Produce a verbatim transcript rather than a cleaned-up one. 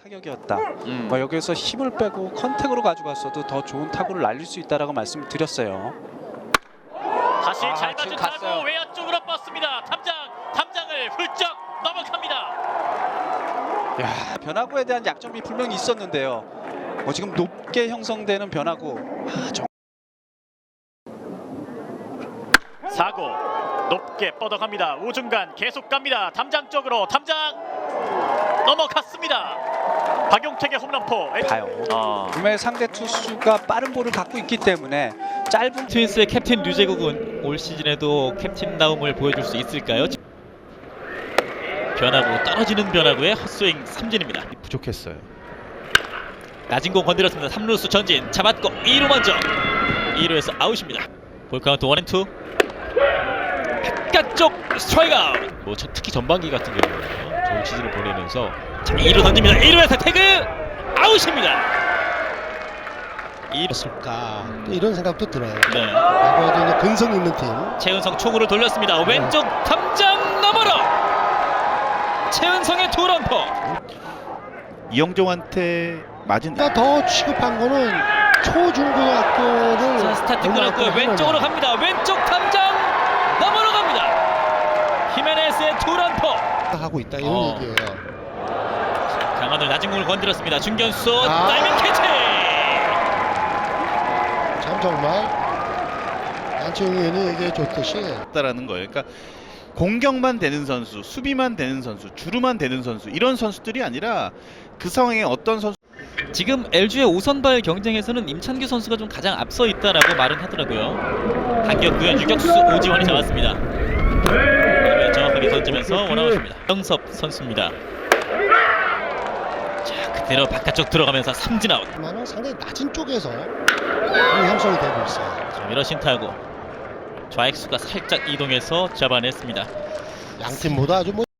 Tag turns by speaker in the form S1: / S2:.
S1: 타격이었다.
S2: 음.
S1: 뭐 여기서 힘을 빼고 컨택으로 가져갔어도 더 좋은 타구를 날릴 수 있다라고 말씀을 드렸어요.
S2: 다시
S1: 아,
S2: 잘
S1: 지금
S2: 맞은 타구
S1: 갔어요.
S2: 외야 쪽으로 뻗습니다. 탐장, 탐장을 훌쩍 넘어갑니다.
S1: 야, 변화구에 대한 약점이 분명히 있었는데요. 뭐 지금 높게 형성되는 변화구. 아, 정...
S2: 사구 높게 뻗어갑니다. 우중간 계속 갑니다. 탐장 쪽으로 탐장 넘어갔습니다. 박용택의 홈런포.
S1: 봐요.
S2: 어.
S1: 분명히 상대 투수가 빠른 볼을 갖고 있기 때문에 짧은
S3: 트윈스의 캡틴 류제국은 올 시즌에도 캡틴다움을 보여줄 수 있을까요? 변화구 떨어지는 변화구의 헛스윙 삼진입니다.
S4: 부족했어요.
S3: 낮은 공 건드렸습니다. 삼 루수 전진 잡았고 이 루 먼저 이 루에서 아웃입니다. 볼카운트 원앤투 바깥쪽 스트라이크 아웃. 뭐 저- 특히 전반기 같은 경우는 좋은 시즌을 보내면서 자, 이 루 던집니다. 이 루에서 태그 아웃입니다. 이 루
S5: 였을까 또 이런 생각도 들어요.
S3: 네.
S5: 과거에도 이제 근성 있는 팀
S3: 최은성 초구를 돌렸습니다. 왼쪽 탐장 너머로 최은성의 투런포.
S4: 이영종한테 맞은
S5: 그러니까 더 취급한 거는 초중고등학교를
S3: 자, 스타트 끊었고요. 왼쪽으로 갑니다. 왼쪽 탐장 넘어로 갑니다. 히메네스의 투런포.
S5: 하고 있다 이런
S3: 어.
S5: 얘기예요.
S3: 강한을 낮은 공을 건드렸습니다. 중견수
S5: 아.
S3: 다이빙 캐치.
S5: 참 정말 안치홍 의원이 얘기해 줬듯이
S4: 다라는 거예요. 그러니까 공격만 되는 선수, 수비만 되는 선수, 주루만 되는 선수 이런 선수들이 아니라 그 상황에 어떤 선수
S3: 지금 엘지의 오선발 경쟁에서는 임찬규 선수가 좀 가장 앞서 있다라고 말은 하더라고요. 한겼고요. 유격수 오지환이 잡았습니다. 이번에 정확하게 던지면서 원아웃입니다. 정섭 선수입니다. 자, 그대로 바깥쪽 들어가면서 삼진 아웃.
S5: 만은 상당히 낮은 쪽에서 공이 형성이 되고 있어요.
S3: 자, 미러신 타고 좌익수가 살짝 이동해서 잡아냈습니다.
S5: 양 팀 모두 아주 뭐